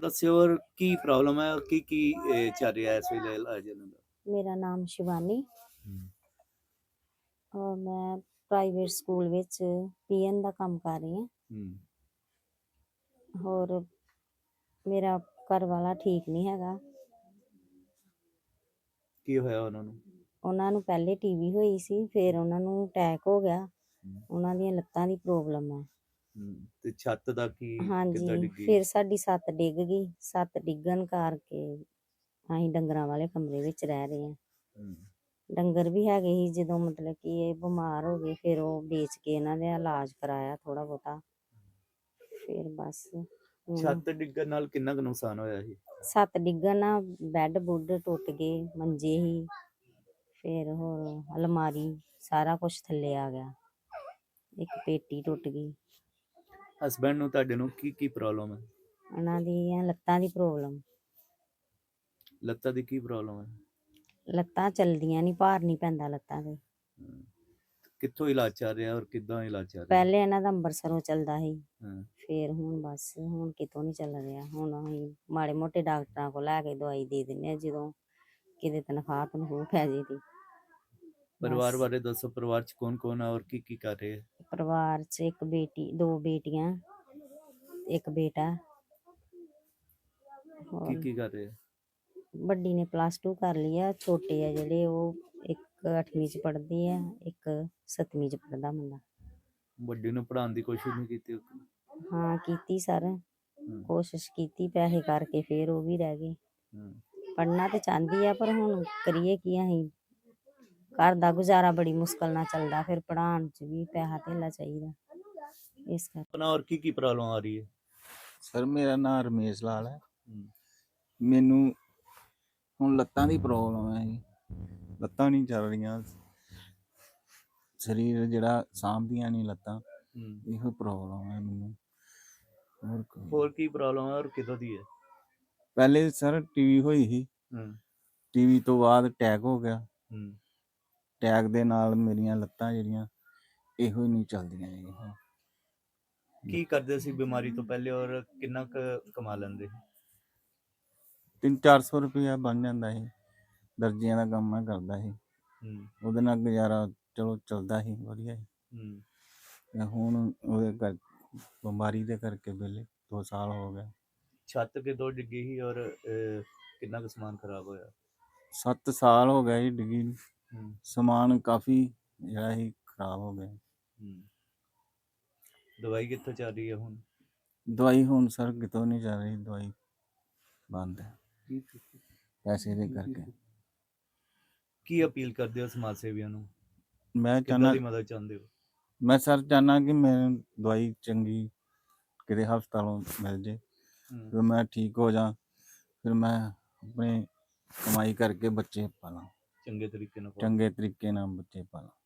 ਦੱਸਿਓ ਔਰ ਕੀ ਪ੍ਰੋਬਲਮ ਹੈ ਔਰ ਕੀ ਚੱਲ ਰਿਹਾ ਇਸ ਵੇਲੇ ਇਲਾਜ ਇਹਨਾਂ ਦਾ? ਮੇਰਾ ਨਾਮ ਸ਼ਿਵਾਨੀ ਹੂੰ, ਔਰ ਮੈਂ ਪ੍ਰਾਈਵੇਟ ਸਕੂਲ ਵਿੱਚ ਪੀਐਨ ਦਾ ਕੰਮ ਕਰ ਰਹੀ ਹਾਂ। ਹੂੰ, ਔਰ ਮੇਰਾ ਘਰ ਵਾਲਾ ਠੀਕ ਨਹੀਂ ਹੈਗਾ। ਕੀ ਹੋਇਆ ਉਹਨਾਂ ਨੂੰ? ਉਹਨਾਂ ਨੂੰ ਪਹਿਲੇ ਟੀਵੀ ਹੋਈ ਸੀ, ਫਿਰ ਉਹਨਾਂ ਨੂੰ ਅਟੈਕ ਹੋ ਗਿਆ। ਹੂੰ, ਉਹਨਾਂ ਦੀਆਂ ਲੱਤਾਂ ਦੀ ਪ੍ਰੋਬਲਮ ਹੈ। ਤੇ ਛੱਤ ਦਾ ਕੀ ਕਿੱਦਾਂ ਹਾਂਜੀ, ਡਿੱਗੀ? ਫਿਰ ਸਾਡੀ ਛੱਤ ਡਿੱਗ ਗਈ। ਛੱਤ ਡਿੱਗਣ ਕਰਕੇ ਅਸੀਂ ਡੰਗਰਾਂ ਵਾਲੇ ਕਮਰੇ ਵਿੱਚ ਰਹਿ ਰਹੇ ਹਾਂ। ਹੂੰ, ਡੰਗਰ ਵੀ ਹੈਗੇ ਸੀ। ਜਦੋਂ ਮਤਲਬ ਕਿ ਇਹ ਬਿਮਾਰ ਹੋ ਗਏ, ਫਿਰ ਉਹ ਵੇਚ ਕੇ ਇਹਨਾਂ ਦਾ ਇਲਾਜ ਕਰਾਇਆ ਥੋੜਾ ਬਹੁਤਾ। ਫਿਰ ਬਸ ਹੁਣ ਛੱਤ ਡਿੱਗਣ ਨਾਲ ਕਿੰਨਾ ਕੁ ਨੁਕਸਾਨ ਹੋਇਆ ਸੀ? ਛੱਤ ਡਿੱਗਣ ਨਾਲ ਬੈੱਡ ਬੁੱਡ ਟੁੱਟ ਗਏ, ਮੰਜੇ ਹੀ, ਫਿਰ ਹੋਰ ਅਲਮਾਰੀ ਸਾਰਾ ਕੁਝ ਥੱਲੇ ਆ ਗਿਆ। ਇੱਕ ਪੇਟੀ ਟੁੱਟ ਗਈ। ਹਸਬੈਂਡ ਨੂੰ ਤੁਹਾਡੇ ਨੂੰ ਕੀ ਪ੍ਰੋਬਲਮ ਹੈ? ਉਹਨਾਂ ਦੀਆਂ ਲੱਤਾਂ ਦੀ ਪ੍ਰੋਬਲਮ। ਲੱਤਾਂ ਦੀ ਕੀ ਪ੍ਰੋਬਲਮ ਹੈ? ਲੱਤਾਂ ਚਲਦੀਆਂ ਨਹੀਂ, ਭਾਰ ਨਹੀਂ ਪੈਂਦਾ ਲੱਤਾਂ ਤੇ। ਹੂੰ, ਕਿੱਥੋਂ ਇਲਾਜ ਚੱਲ ਰਿਹਾ ਔਰ ਕਿੱਦਾਂ ਇਲਾਜ ਚੱਲ ਰਿਹਾ? ਪਹਿਲੇ ਇਹਨਾਂ ਦਾ ਅੰਬਰਸਰੋਂ ਚੱਲਦਾ ਸੀ, ਹਾਂ, ਫਿਰ ਹੁਣ ਬਸ ਹੁਣ ਕਿਤੋਂ ਨਹੀਂ ਚੱਲ ਰਿਹਾ। ਹੁਣ ਅਸੀਂ ਮਾੜੇ ਮੋਟੇ ਡਾਕਟਰਾਂ ਕੋਲ ਲੈ ਕੇ ਦਵਾਈ ਦੇ ਦਿੰਦੇ ਹਾਂ, ਜਦੋਂ ਕਿਤੇ ਤਨਖਾਹ ਤਨਖੂਹ ਪੈ ਜੇ ਤੇ। ਪਰਿਵਾਰ ਬਸ ਬਾਰੇ ਦੱਸੋ, ਪਰਿਵਾਰ ਚ ਕੌਣ ਕੌਣ ਹੈ ਔਰ ਕੀ ਕਰ ਰਹੇ ਹੈ? ਪਰਿਵਾਰ 'ਚ ਇੱਕ ਬੇਟੀ, ਦੋ ਬੇਟੀਆਂ, ਇੱਕ ਬੇਟਾ। ਹੋਰ ਕੀ ਕਰ ਰਹੇ ਹੈ? ਵੱਡੀ ਨੇ +2 ਕਰ ਲਈ ਆ। ਛੋਟੇ ਆ ਜਿਹੜੇ ਉਹ ਇੱਕ 8ਵੀਂ 'ਚ ਪੜ੍ਹਦੀ ਆ, ਇੱਕ 7ਵੀਂ 'ਚ ਪੜ੍ਹਦਾ ਮੁੰਡਾ। ਵੱਡੀ ਨੂੰ ਪੜ੍ਹਾਉਣ ਦੀ ਕੋਸ਼ਿਸ਼ ਨਹੀਂ ਕੀਤੀ? ਹਾਂ ਕੀਤੀ ਸਰ, ਹੂੰ, ਕੋਸ਼ਿਸ਼ ਕੀਤੀ, ਪੈਸੇ ਕਰਕੇ ਫਿਰ ਉਹ ਵੀ ਰਹਿ ਗਏ। ਹੂੰ, ਪੜ੍ਹਨਾ ਤੇ ਚਾਹੁੰਦੀ ਆ, ਪਰ ਹੁਣ ਕਰੀਏ ਕੀ ਅਸੀਂ? ਘਰ ਦਾ ਗੁਜ਼ਾਰਾ ਬੜੀ ਮੁਸ਼ਕਲ ਨਾਲ ਚੱਲਦਾ, ਫਿਰ ਪੜ੍ਹਾਉਣ 'ਚ ਵੀ ਪੈਸਾ ਧੇਲਾ ਚਾਹੀਦਾ, ਇਸ ਕਰਕੇ। ਆਪਣਾ ਔਰ ਕੀ ਪ੍ਰੋਬਲਮ ਆ ਰਹੀ ਹੈ? ਸਰ ਮੇਰਾ ਨਾਮ ਰਮੇਸ਼ ਲਾਲ ਹੈ। ਹੂੰ, ਮੈਨੂੰ ਹੁਣ ਲੱਤਾਂ ਦੀ ਪ੍ਰੋਬਲਮ ਹੈ ਜੀ। ਲੱਤਾਂ ਨਹੀਂ ਚੱਲ ਰਹੀਆਂ, ਸਰੀਰ ਜਿਹੜਾ ਸਾਂਭਦੀਆਂ ਨਹੀਂ ਲੱਤਾਂ, ਹੂੰ, ਇਹੋ ਪ੍ਰੋਬਲਮ ਹੈ ਮੈਨੂੰ। ਹੋਰ ਕੀ ਪ੍ਰੋਬਲਮ ਹੈ ਔਰ ਕਿੱਦਾਂ ਦੀ ਹੈ? ਪਹਿਲੇ ਸਰ ਟੀਵੀ ਹੋਈ ਸੀ, ਹੂੰ, ਟੀਵੀ ਤੋਂ ਬਾਅਦ ਅਟੈਕ ਹੋ ਗਿਆ। ਹੂੰ, ਅਟੈਕ ਦੇ ਨਾਲ ਮੇਰੀਆਂ ਲੱਤਾਂ ਜਿਹੜੀਆਂ ਇਹੋ ਹੀ ਨਹੀਂ ਚੱਲਦੀਆਂ ਜੀ। ਕੀ ਕਰਦੇ ਸੀ ਬਿਮਾਰੀ ਤੋਂ ਪਹਿਲੇ ਔਰ ਕਿੰਨਾ ਕੁ ਕਮਾ ਲੈਂਦੇ? 300-400 ਰੁਪਇਆ ਬਣ ਜਾਂਦਾ ਸੀ। ਦਰਜੀਆਂ ਦਾ ਕੰਮ ਮੈਂ ਕਰਦਾ ਸੀ, ਹੂੰ, ਉਹਦੇ ਨਾਲ ਗੁਜ਼ਾਰਾ ਚਲੋ ਚੱਲਦਾ ਸੀ ਵਧੀਆ ਸੀ। ਹੂੰ, ਤੇ ਹੁਣ ਉਹਦੇ ਬਿਮਾਰੀ ਦੇ ਕਰਕੇ ਵਿਹਲੇ 2 ਸਾਲ ਹੋ ਗਏ। ਛੱਤ ਕਿਦੋਂ ਡਿੱਗੀ ਸੀ ਔਰ ਕਿੰਨਾ ਕੁ ਸਮਾਨ ਖਰਾਬ ਹੋਇਆ? 7 ਸਾਲ ਹੋ ਗਏ ਜੀ ਡਿੱਗੀ ਨੂੰ। ਹੂੰ, ਸਮਾਨ ਕਾਫੀ ਜਿਹੜਾ ਸੀ ਖਰਾਬ ਹੋ ਗਿਆ। ਹੂੰ, ਦਵਾਈ ਕਿੱਥੋਂ ਚੱਲ ਰਹੀ ਹੈ ਹੁਣ? ਦਵਾਈ ਹੁਣ ਸਰ ਕਿਤੋਂ ਨਹੀਂ ਚੱਲ ਰਹੀ, ਦਵਾਈ ਬੰਦ ਹੈ ਪੈਸੇ ਦੇ ਕਰਕੇ। ਕੀ ਅਪੀਲ ਕਰਦੇ ਹੋ ਸਮਾਜ ਸੇਵੀਆਂ ਨੂੰ? ਮੈਂ ਕਿੱਦਾਂ ਚਾਹੁੰਦਾ, ਦੀ ਮਦਦ ਚਾਹੁੰਦੇ ਹੋ? ਮੈਂ ਸਰ ਚਾਹੁੰਦਾ ਕਿ ਮੈਨੂੰ ਦਵਾਈ ਚੰਗੀ ਕਿਤੇ ਹਸਪਤਾਲੋਂ ਮਿਲ ਜੇ, ਹੂੰ, ਫਿਰ ਮੈਂ ਠੀਕ ਹੋ ਜਾ, ਫਿਰ ਮੈਂ ਆਪਣੀ ਕਮਾਈ ਕਰਕੇ ਬੱਚੇ ਪਾਲਾਂ, ਚੰਗੇ ਤਰੀਕੇ ਨਾਲ ਪਾਓ। ਚੰਗੇ ਤਰੀਕੇ ਨਾਲ ਬੱਚੇ ਪਾਲਾਂ।